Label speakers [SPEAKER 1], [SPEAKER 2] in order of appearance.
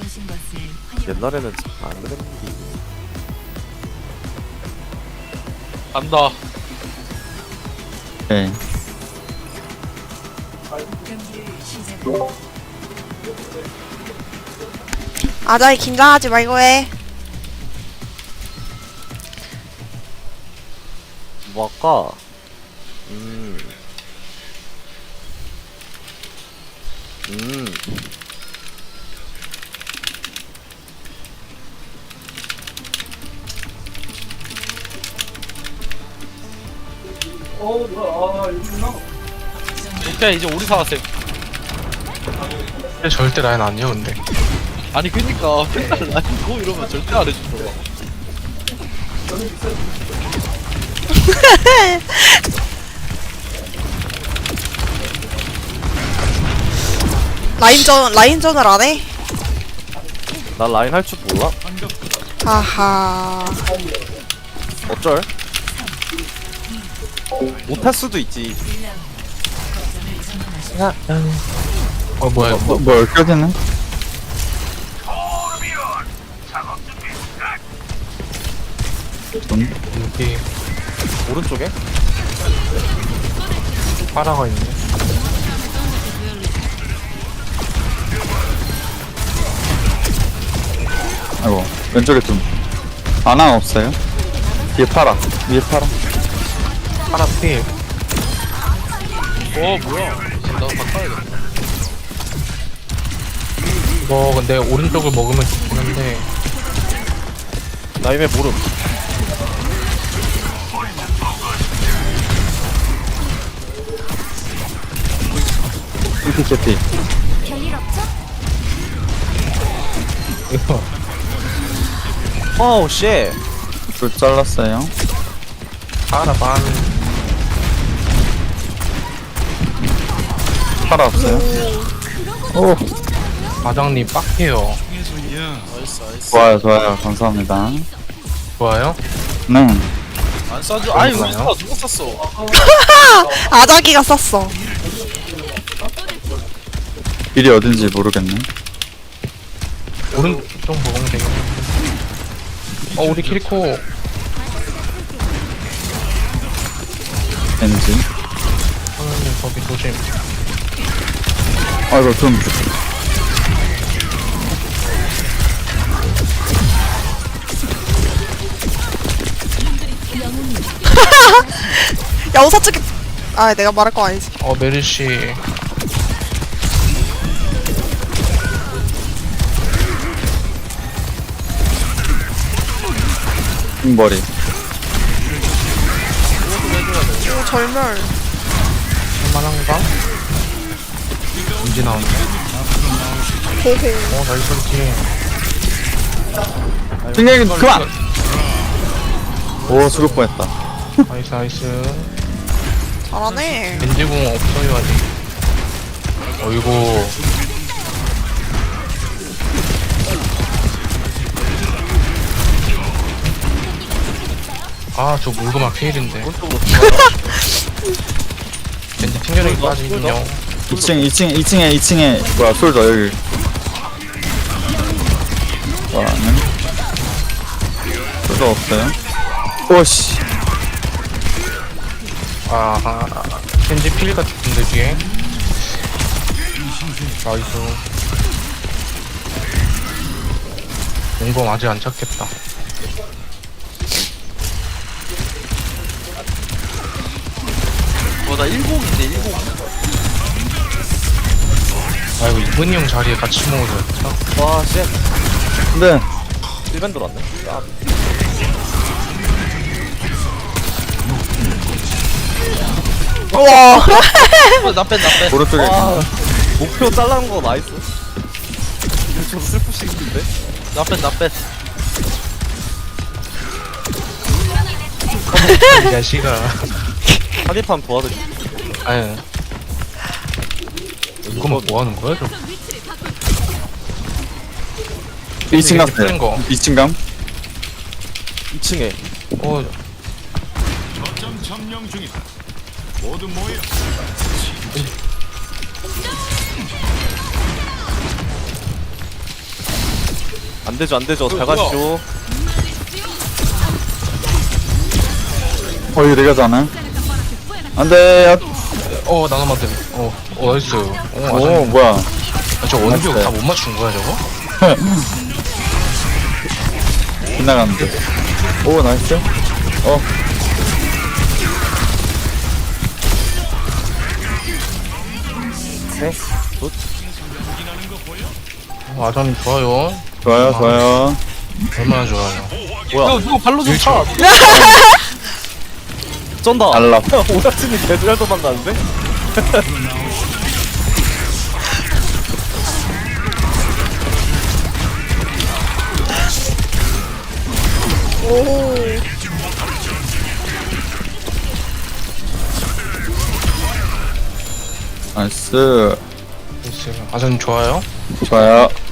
[SPEAKER 1] 옛날에는 안 그랬는데.
[SPEAKER 2] 간다.
[SPEAKER 3] 네.
[SPEAKER 4] 아자이 긴장하지 말고 해.
[SPEAKER 1] 뭐 할까?
[SPEAKER 2] 진짜 이제 우리 사왔어요.
[SPEAKER 5] 근데 절대 라인 아니야 근데.
[SPEAKER 2] 아니 그니까 맨날 라인 고 이러면 절대 안 해주더라.
[SPEAKER 4] 라인전을 안 해?
[SPEAKER 1] 나 라인 할 줄 몰라?
[SPEAKER 4] 하하.
[SPEAKER 1] 어쩔? 못할 수도 있지.
[SPEAKER 5] 뭐야 이거.
[SPEAKER 3] 뭐 껴지네?
[SPEAKER 5] 여기
[SPEAKER 1] 오른쪽에?
[SPEAKER 5] 파라가 있네.
[SPEAKER 3] 아이고 왼쪽에 좀 아나 없어요? 뒤에 파라 위에 파라.
[SPEAKER 5] 파라 필.
[SPEAKER 2] 뭐야? 나도 바꿔야겠다.
[SPEAKER 5] 이거 근데 오른쪽을 먹으면 좋긴 한데.
[SPEAKER 1] 나임의 모름.
[SPEAKER 3] 이렇게 캐피.
[SPEAKER 5] 이거
[SPEAKER 1] 어우 쉣.
[SPEAKER 3] 불 잘랐어요.
[SPEAKER 5] 파라 반.
[SPEAKER 3] 파라 없어요? 오
[SPEAKER 5] 과장님 빡해요.
[SPEAKER 3] 좋아요 좋아요 감사합니다.
[SPEAKER 5] 좋아요?
[SPEAKER 3] 네.
[SPEAKER 2] 안 쏴줘. 아니 우리
[SPEAKER 5] 그런가요?
[SPEAKER 2] 누가 쐈어?
[SPEAKER 4] 아자기가 썼어.
[SPEAKER 3] 길이 어딘지 모르겠네.
[SPEAKER 5] 오른쪽 먹으면 되겠네. 우리 키리코.
[SPEAKER 3] 왠지.
[SPEAKER 5] 선생님 거기 조심.
[SPEAKER 3] 아이고 좀
[SPEAKER 4] 야 우사 찍기. 아 내가 말할 거 아니지.
[SPEAKER 5] 메르시.
[SPEAKER 3] 머리.
[SPEAKER 4] 오 절멸.
[SPEAKER 5] 할만한가? 언제 나오네.
[SPEAKER 4] 호호.
[SPEAKER 5] 나이스 팀.
[SPEAKER 3] 승객이 그만! 오 죽을 뻔했다.
[SPEAKER 5] 나이스 나이스.
[SPEAKER 4] 잘하네.
[SPEAKER 5] 벤지궁 없어요 아직. 어이구. 저 물고막 피일인데.
[SPEAKER 1] 오른쪽으로 들어가.
[SPEAKER 5] 벤지 튕겨내기 빠지군요.
[SPEAKER 3] 2층에 뭐야 솔더 여기. 와는 솔더 없어요. 오씨.
[SPEAKER 5] 아하. 벤지 필 같은데 뒤에. 나이스. 용검 아직 안 찾겠다.
[SPEAKER 2] 나 10인데 10.
[SPEAKER 5] 아이고 이분이 형 자리에 같이 먹어줬다.
[SPEAKER 1] 와 쉣.
[SPEAKER 3] 근데
[SPEAKER 1] 1벤 들어왔네. 야,
[SPEAKER 4] 우와.
[SPEAKER 2] 나 뺀.
[SPEAKER 3] 오른쪽에
[SPEAKER 1] 와, 목표 잘라는 거 나이스. 이거 좀 슬프시는데?
[SPEAKER 2] 나 뺀.
[SPEAKER 5] 이 자식아.
[SPEAKER 1] 한입판 도와드릴게.
[SPEAKER 5] 아니. 이거만 뭐 하는 거야 저거?
[SPEAKER 3] 2층 갔어요.
[SPEAKER 5] 푸는 거.
[SPEAKER 3] 2층 감?
[SPEAKER 1] 2층에.
[SPEAKER 6] 거점 점령 중이다. 모두 모여.
[SPEAKER 1] 안 되죠, 안 되죠. 잘 가시죠.
[SPEAKER 3] 이거 내가 자네. 안 돼.
[SPEAKER 5] 나눠만들. 나이스.
[SPEAKER 3] 오, 뭐야.
[SPEAKER 5] 저 원격
[SPEAKER 3] 맞았어요.
[SPEAKER 5] 다 못 맞춘 거야, 저거?
[SPEAKER 3] 빗나갔는데. 오, 나이스.
[SPEAKER 1] 네.
[SPEAKER 5] 아전 좋아요.
[SPEAKER 3] 좋아요, 좋아요.
[SPEAKER 5] 얼마나 좋아요.
[SPEAKER 1] 뭐야?
[SPEAKER 5] 누가 발로 좀 차.
[SPEAKER 1] 쩐다.
[SPEAKER 3] 달라.
[SPEAKER 1] 오락진이 개잘 도망가는데?
[SPEAKER 3] 나이스.
[SPEAKER 5] 아전 좋아요.
[SPEAKER 3] 좋아요.